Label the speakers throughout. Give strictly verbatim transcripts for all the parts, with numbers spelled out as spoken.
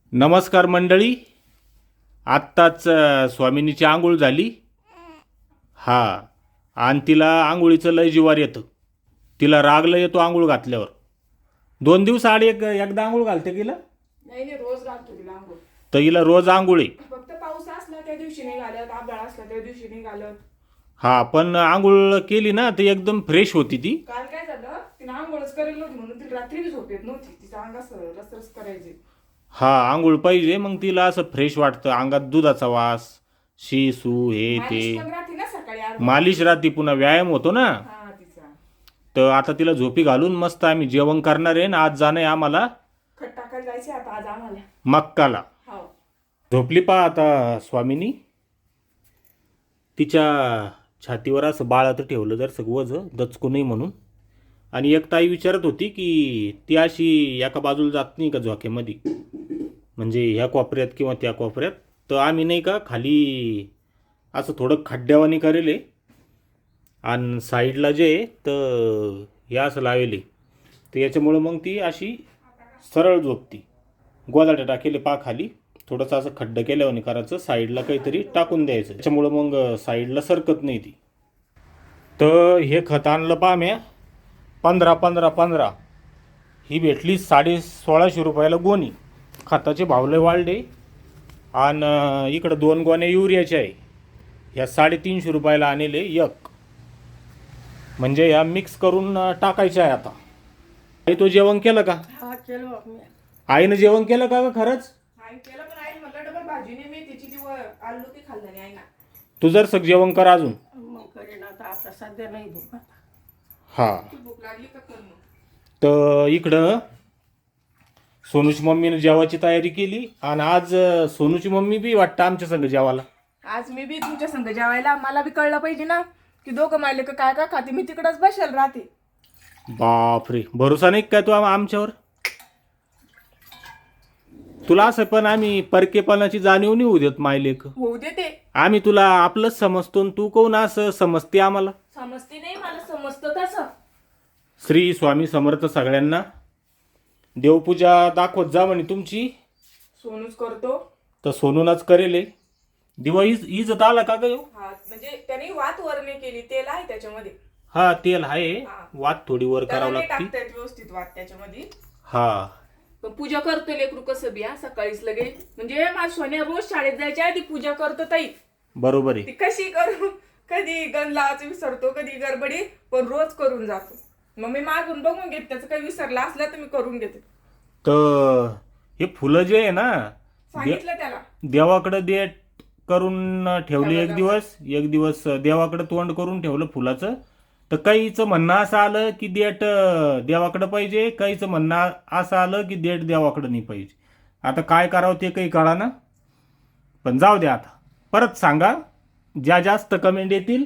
Speaker 1: नमस्कार मंडळी. आत्ताच अ, स्वामिनीची आंघोळ झाली. हा, आणि तिला आंघोळीचं लय जिवार येतं. तिला रागलं येतो आंघोळ घातल्यावर. दोन दिवस आड एक एकदा आंघोळ घालते तिला.
Speaker 2: नाही नाही रोज घालतो तिला आंघोळ.
Speaker 1: तर हिला रोज आंघोळी.
Speaker 2: फक्त पाऊस असला त्या दिवशी नाही घालत, आभाळ असला त्या दिवशी नाही घालत.
Speaker 1: हा, पण आंघोळ केली ना तर एकदम फ्रेश होती ती.
Speaker 2: काल काय झालं, तिने आंघोळच करेल नव्हती म्हणून ती रात्री बी झोप येत नव्हती. तिचा अंग असं रसरस करायचे.
Speaker 1: हा, आंघोळ पाहिजे, मग तिला असं फ्रेश वाटतं. अंगात दुधाचा वास, शी सू हे ते
Speaker 2: मालिश पण राहते ना सकाळी आठ
Speaker 1: मालिश राहते, पुन्हा व्यायाम होतो ना.
Speaker 2: हा तिचा
Speaker 1: तर आता तिला झोपी घालून मस्त आम्ही जेवण करणार आहे. ना आज जाणं आहे आम्हाला
Speaker 2: खट टाकायला जायचे आता आज आम्हाला.
Speaker 1: मक्काला.
Speaker 2: हो
Speaker 1: झोपली पहा आता स्वामिनी. तिच्या छातीवर असं बाळाचं ठेवलं जर सगळं वज दचकू नाही म्हणून. आणि एक ताई विचारत होती की ती अशी एका बाजूला जात नाही का झोक्यामध्ये, म्हणजे ह्या कोपऱ्यात किंवा त्या कोपऱ्यात. तर आम्ही नाही का खाली असं थोडं खड्ड्यावानी करेल आणि साईडला जे तर हे असं लावेले, तर याच्यामुळं मग ती अशी सरळ झोपती. गोदाट्या टाकेले पा खाली थोडंसं असं खड्डं केल्यावानी करायचं, साईडला काहीतरी टाकून द्यायचं, त्याच्यामुळं मग साईडला सरकत नाही ती. तर हे खत आणलं पहा म्या पंधरा पंधरा पंधरा. ही भेटली साडे सोळाशे रुपयाला गोणी. खताचे भाव लय वाढले. आणि इकडं दोन गोण्या युरियाच्या आहे, ह्या साडेतीनशे रुपयाला आणले एक. म्हणजे ह्या मिक्स करून टाकायच्या आहे आता. आई तो जेवण केलं का?
Speaker 2: हा केलं मी.
Speaker 1: आईनं जेवण केलं का ग खरंच?
Speaker 2: आई केलं, पण आई म्हटलं डबल भाजीने मी तिची ती आलू ती खाल्लं नाही आई ना.
Speaker 1: तू जर सग जेवण कर अजून.
Speaker 2: मग करेन आता, आता सध्या नाही भूक.
Speaker 1: हा,
Speaker 2: भूक लागली का कर मग.
Speaker 1: तर इकडं सोनूची मम्मीनं जेवायची तयारी केली. आणि आज सोनूची मम्मी बी वाटतं आमच्या संग जेवायला.
Speaker 2: आज मी बी तुमच्या संग जेवायला. मला बी कळलं पाहिजे ना की दोघं मायले का काय काय खाते. मी तिकडच बसेल राहते.
Speaker 1: बापरे, भरोसा नाही काय तू आम- आमच्यावर? तुला असं पण आम्ही परकेपणाची जाणीव नाही होऊ देत मायलेक.
Speaker 2: होऊ देते.
Speaker 1: आम्ही तुला आपलंच समजतो आणि तू कोण असं समजते आम्हाला.
Speaker 2: समजते नाही, मला समजतं तसं.
Speaker 1: श्री स्वामी समर्थ सगळ्यांना. देवपूजा दाखवत जा म्हणे तुमची.
Speaker 2: सोनूच करतो.
Speaker 1: तर सोनूनच करेल. दिवा इज इजत आला का ग ह्यो?
Speaker 2: हा म्हणजे त्याने वात वर नाही केली, तेल आहे त्याच्यामध्ये.
Speaker 1: हा, तेल आहे.
Speaker 2: हा.
Speaker 1: वात थोडी वर
Speaker 2: त्याला
Speaker 1: करावं
Speaker 2: नाही
Speaker 1: लागते.
Speaker 2: टाकता येत व्यवस्थित वात त्याच्यामध्ये.
Speaker 1: हा,
Speaker 2: पण पूजा करतो लेकरू कसं बी. हा सकाळीच लगे म्हणजे माझ सोन्या रोज शाळेत जायच्या आधी पूजा करतो ताई.
Speaker 1: बरोबर आहे.
Speaker 2: ती कशी करू, कधी गण लावायचं विसरतो, कधी गडबडी, पण रोज करून जातो. मग मी मागून बघून घेते, त्याचं काही विसरला असला तर मी करून घेते.
Speaker 1: तर हे फुलं जे आहे ना,
Speaker 2: सांगितलं त्याला.
Speaker 1: देवाकडे दे करून ठेवली एक दिवस. एक दिवस देवाकडे तोंड करून ठेवलं फुलाचं. तर काहीचं म्हणणं असं आलं की देठ देवाकडं पाहिजे, काहीचं म्हणणं असं आलं की देठ देवाकडं नाही पाहिजे. आता काय करावं ते काही कळा ना. पण जाऊ द्या, आता परत सांगा. ज्या जास्त कमेंट येतील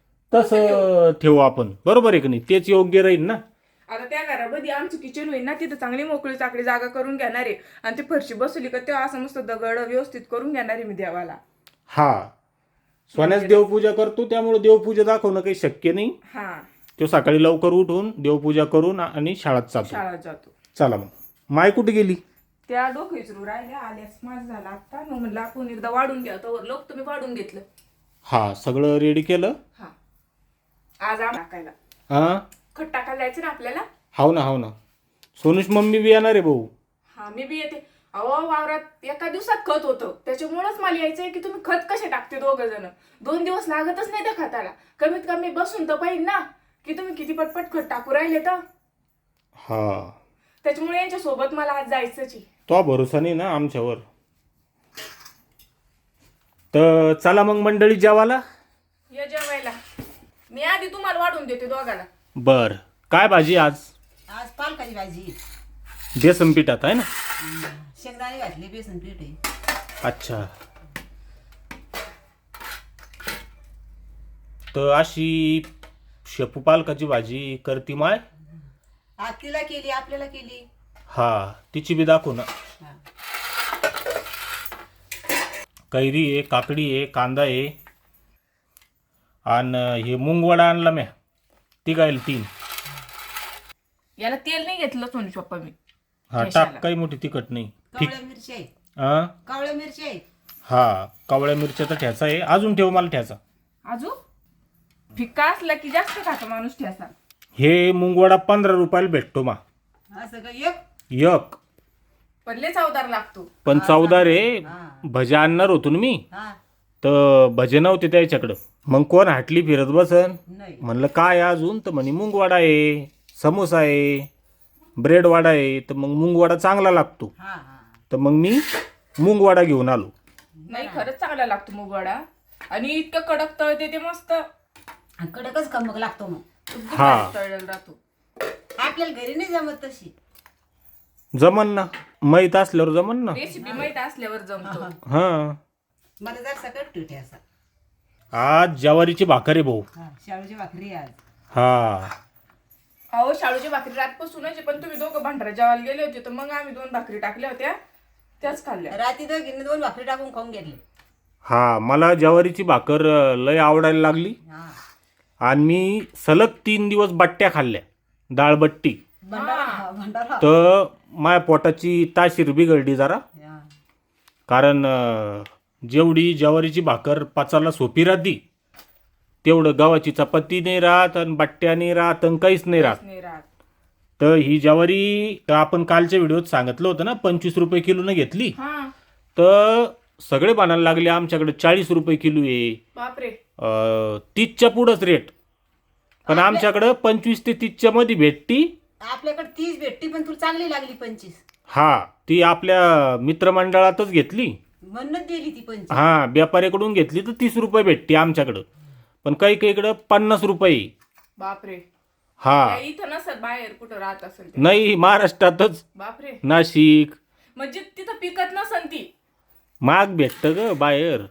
Speaker 1: तसं ठेवू आपण. बरोबर आहे की नाही? तेच योग्य राहील ना.
Speaker 2: आता त्या घरामध्ये आमचं किचन होईल ना, तिथं चांगली मोकळी चाकडी जागा करून घेणार आहे. आणि ती फरशी बसवली का तेव्हा असं मस्त दगड व्यवस्थित करून घेणार आहे मी देवाला.
Speaker 1: हा, सोन्याच देवपूजा करतो, त्यामुळे देवपूजा दाखवणं काही शक्य नाही.
Speaker 2: हा,
Speaker 1: तो सकाळी लवकर उठून देवपूजा करून आणि शाळेत जातो.
Speaker 2: शाळेत जातो.
Speaker 1: चला मग. माय कुठे गेली?
Speaker 2: त्या डोकं विचारू राहिल्या, आल्यास माझं झालं आता. मग म्हणलं आपण एकदा वाढून घ्या, तर लोक तुम्ही वाढून घेतलं.
Speaker 1: हा, सगळं रेडी केलं.
Speaker 2: हा, आज आम टाकायला
Speaker 1: हा,
Speaker 2: खत टाकायला जायचं ना आपल्याला.
Speaker 1: हाव ना हाव ना. सोनूच मम्मी बी येणार आहे भाऊ.
Speaker 2: हा, मी बी येते. अहो वावरात एका दिवसात खत होतं, त्याच्यामुळेच मला यायचंय की तुम्ही खत कसे टाकते दोघं जण. दोन दिवस लागतच नाही त्या खताला. कमीत कमी बसून तर पाहिजे ना की तुम्ही किती पटपट खत टाकू राहिले. तर
Speaker 1: हा,
Speaker 2: त्याच्यामुळे यांच्या सोबत मला आज जायचंच आहे.
Speaker 1: तो भरोसा नाही ना आमच्यावर. तर चला मग मंडळी जेवायला.
Speaker 2: या जेवायला. मी आधी तुम्हाला वाढून देते दोघाला.
Speaker 1: बर, काय भाजी आज?
Speaker 3: आज पालकाची भाजी,
Speaker 1: बेसन पिठात आहे ना?
Speaker 3: शेंगदाणे घातले, बेसन पीठ आहे.
Speaker 1: अच्छा. तर अशी शेपू पालकाची भाजी करती माय.
Speaker 3: आज तिला केली, आपल्याला केली.
Speaker 1: हा, तिची बी दाखवू ना.
Speaker 3: हा.
Speaker 1: कैरी आहे, काकडी आहे, कांदा आहे. आणि हे मुंगवडा आणला म्या. ती गाईल तीन.
Speaker 2: याला तेल नाही घेतलं सोनू पप्पा मी.
Speaker 1: हा, टाक. काही मोठी तिखट नाही.
Speaker 3: कवळ्या मिरची आहे.
Speaker 1: आ?
Speaker 3: कावळ्या मिरची आहेत.
Speaker 1: हा कावळ्या मिरच्याचा ठ्याचा आहे. अजून ठेव मला ठ्याचा.
Speaker 2: अजून फिक्का असला की जास्त खातो माणूस ठेसा.
Speaker 1: हे मुंगवडा पंधरा रुपयाला भेटतो मा
Speaker 3: असं का एक
Speaker 1: एक.
Speaker 2: पण लय चवदार लागतो.
Speaker 1: पण चौदा रे.
Speaker 3: हा.
Speaker 1: भजे आणणार होतो ना मी,
Speaker 3: हा
Speaker 1: तर भजे नव्हते त्याच्याकडं. मग कोण हाटली फिरत बसन.
Speaker 3: नाही
Speaker 1: म्हणलं काय आहे अजून, तर म्हणे मुंगवाडा आहे, समोसा आहे, ब्रेड वडा आहे. तर मग मुंगवाडा चांगला लागतो.
Speaker 3: हा हा
Speaker 1: तर मग मी मुंगवाडा घेऊन आलो.
Speaker 2: नाही खरंच चांगला लागतो मुगवडा. आणि इतकं कडक तळते ते मस्त.
Speaker 3: आणि कडकच कमक लागतो मग.
Speaker 2: एकदम
Speaker 1: हा.
Speaker 2: भारी तळलेला राहतो.
Speaker 3: आपल्याला घरी नाही जमत तशी.
Speaker 1: जमन ना, माहीत असल्यावर जमन ना.
Speaker 2: रेसिपी माहित असल्यावर जमतो.
Speaker 1: हा.
Speaker 3: मला जर सकट ठेवते असा.
Speaker 1: आज ज्वारीची भाकर आहे भाऊ.
Speaker 3: हा शाळूची भाकरी आज.
Speaker 1: हा.
Speaker 2: अहो शाळूची भाकरी रातपासूनच आहे, पण तुम्ही दोघं भांडारा जेवायला गेले होते तर मग आम्ही दोन भाकरी टाकल्या होत्या त्याच खाल्ल्या.
Speaker 3: रात्री दोघींनी दोन भाकरी टाकून खाऊन घेतले.
Speaker 1: हा मला ज्वारीची भाकर अ, लय आवडायला लागली.
Speaker 3: हा
Speaker 1: आणि मी सलग तीन दिवस बट्ट्या खाल्ल्या, डाळबट्टी.
Speaker 3: भंडारा हा, भंडारा
Speaker 1: तर माझ्या पोटाची ताशीर बिघडली जरा.
Speaker 3: हा.
Speaker 1: कारण अ, जेवढी ज्वारीची भाकर पाचाला सोपी राहती, तेवढं गव्हाची चपाती नाही राहत आणि बट्ट्या नाही राहत आणि काहीच नाही राहत.
Speaker 2: नाही राहत.
Speaker 1: तर ही ज्वारी तर आपण कालच्या व्हिडिओत सांगितलं होतं ना, पंचवीस रुपये किलोनं घेतली.
Speaker 2: हा
Speaker 1: तर सगळे बनायला लागले आमच्याकडे चाळीस रुपये किलो आहे,
Speaker 2: बापरे.
Speaker 1: अ, तीसच्या पुढंच रेट. पण आमच्याकडं पंचवीस ते तीसच्या मध्ये भेटती.
Speaker 3: आपल्याकडे तीस भेटती पण तुला चांगली लागली पंचवीस.
Speaker 1: हा ती आपल्या मित्रमंडळातच घेतली.
Speaker 3: म्हणूनच दिली ती पंचवीस.
Speaker 1: हा व्यापाऱ्याकडून घेतली तर तीस रुपये भेटते आमच्याकडं. पण काही काही इकडं पन्नास रुपये.
Speaker 2: बापरे.
Speaker 1: हा
Speaker 2: या इथं नसत बाहेर कुठं राहत असेल ते.
Speaker 1: नाही महाराष्ट्रातच,
Speaker 2: बापरे.
Speaker 1: नाशिक.
Speaker 2: म्हणजे तिथं पिकत नसन ती.
Speaker 1: महाग भेटतं ग बाहेर.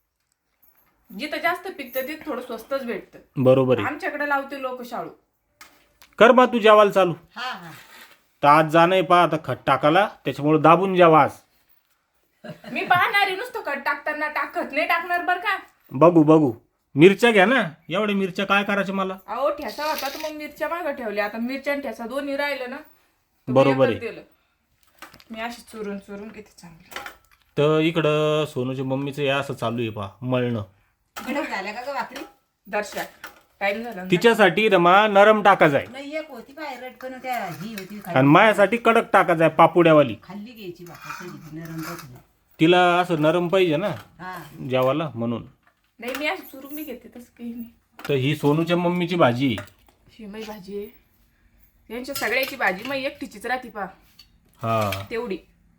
Speaker 2: जिथं जास्त पिकतं तिथं थोडं स्वस्तच भेटतं.
Speaker 1: बरोबर आहे.
Speaker 2: आमच्याकडे लावते लोक शाळू.
Speaker 1: कर बा तू जेवायला चालू.
Speaker 3: हा हा
Speaker 1: तर आज जाणं पहा आता खत टाकाला, त्याच्यामुळे दाबून जेवा आज.
Speaker 2: मी पाहणार आहे नुसतं कट टाकताना, टाकत नाही टाकणार बर का.
Speaker 1: बघू बघू. मिरच्या घ्या ना, एवढ्या मिरच्या काय करायच्या मला.
Speaker 2: अहो ठेसा होता तर मग मिरच्या मागं ठेवल्या. आता मिरच्या आणि ठेसा दोन्ही राहिलं ना तर मी
Speaker 1: बरोबर
Speaker 2: एकच
Speaker 1: आहे.
Speaker 2: दिलं. मी अशी चुरून चुरून किती चांगली.
Speaker 1: तर इकडं सोनूच्या मम्मीचं हे असं चालू आहे पहा, मळणं.
Speaker 3: कडक झाल्या का ग भाकरी?
Speaker 2: दर्शक टाइम झाला ना.
Speaker 1: तिच्यासाठी रमा नरम टाकायचा आहे
Speaker 3: नाही एक होती बाहेर रटकन त्या ही होती खाली.
Speaker 1: आणि माझ्यासाठी कडक टाकायचा आहे, पापुड्यावाली.
Speaker 3: खाल्ली घ्यायची भाकर कधी नरम बसली.
Speaker 1: तिला असं नरम पाहिजे ना
Speaker 3: हा
Speaker 1: जेवायला, म्हणून.
Speaker 2: नाही मी अशी चुरून बी घेते तसं काही नाही.
Speaker 1: तर ही सोनूच्या मम्मीची भाजी आहे.
Speaker 2: शिमई भाजी आहे यांच्या सगळ्याची भाजी मग एकटीचीच राहते पा
Speaker 1: हा
Speaker 2: तेवढी.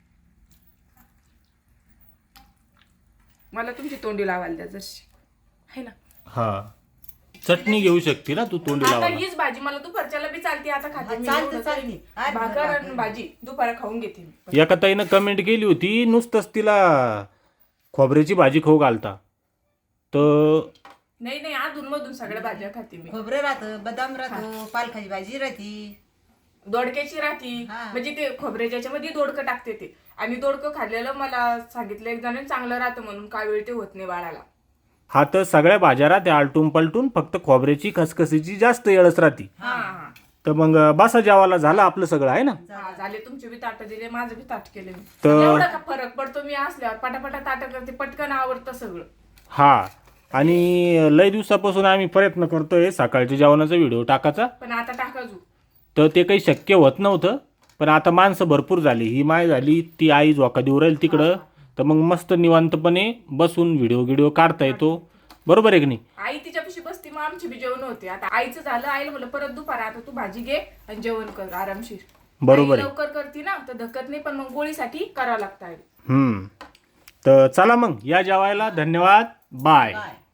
Speaker 2: मला तुमची तोंडी लावायला द्या जशी आहे ना.
Speaker 1: हा चटणी घेऊ शकते ना तू तोंडी
Speaker 2: आता
Speaker 1: लावायला.
Speaker 2: हीच भाजी मला दुपारच्याला बी चालते. आता खाते मी
Speaker 3: चालते,
Speaker 2: एवढं
Speaker 3: चालते.
Speaker 2: काही.
Speaker 3: आज
Speaker 2: भाकर आणि
Speaker 3: भाकर.
Speaker 2: भाजी दुपारा खाऊन घेते मी.
Speaker 1: एका ताईनं कमेंट केली होती, नुसतंच तिला खोबऱ्याची भाजी खाऊ घालता. तर
Speaker 2: नाही नाही अधून मधून सगळ्या भाज्या खाते मी.
Speaker 3: खोबरं राहतं, बदाम राहतो, पालकाची भाजी राहती,
Speaker 2: दोडक्याची राहती.
Speaker 3: हा.
Speaker 2: म्हणजे ते खोबऱ्याच्या याच्यामध्ये दोडकं टाकते ते. आणि दोडकं खाल्लेलं मला सांगितलं एक जण चांगलं राहतं म्हणून, काय वेळ ते होत नाही बाळाला.
Speaker 1: हा तर सगळ्या भाज्या राहते आलटून पलटून, फक्त खोबऱ्याची खसखसीची जास्त येळच राहते.
Speaker 2: हा हा
Speaker 1: तर मग बसा जेवायला झालं आपलं सगळं आहे ना.
Speaker 2: हा, झाले तुमचे बी ताट दिले, माझं बी ताट केले मी.
Speaker 1: तर-
Speaker 2: एवढा का फरक पडतो मी असल्यावर पटापटा ताट करते, पटकन आवडतं सगळं.
Speaker 1: हा आणि लय दिवसापासून आम्ही प्रयत्न करतोय सकाळच्या जेवणाचा व्हिडिओ टाकायचा,
Speaker 2: पण आता टाका जू.
Speaker 1: तर ते काही शक्य होत नव्हतं. पण आता माणसं भरपूर झाली, ही माय झाली, ती आई झोका देऊ राहील तिकडं. तर मग मस्त निवांतपणे बसून व्हिडिओ व्हिडिओ काढता येतो. बरोबर आहे की नाही.
Speaker 2: आई तिच्यापाशी बसती मग आमची बी जेवण होते. आता आईचं झालं, आईला म्हणलं परत दुपार आता तू भाजी घे आणि जेवण कर आरामशीर.
Speaker 1: बरोबर
Speaker 2: आई
Speaker 1: आहे.
Speaker 2: लवकर करते ना तर धकत नाही, पण मग गोळीसाठी करावं लागतं.
Speaker 1: हम्म. तर चला मग या जेवायला. धन्यवाद. बाय.
Speaker 3: काय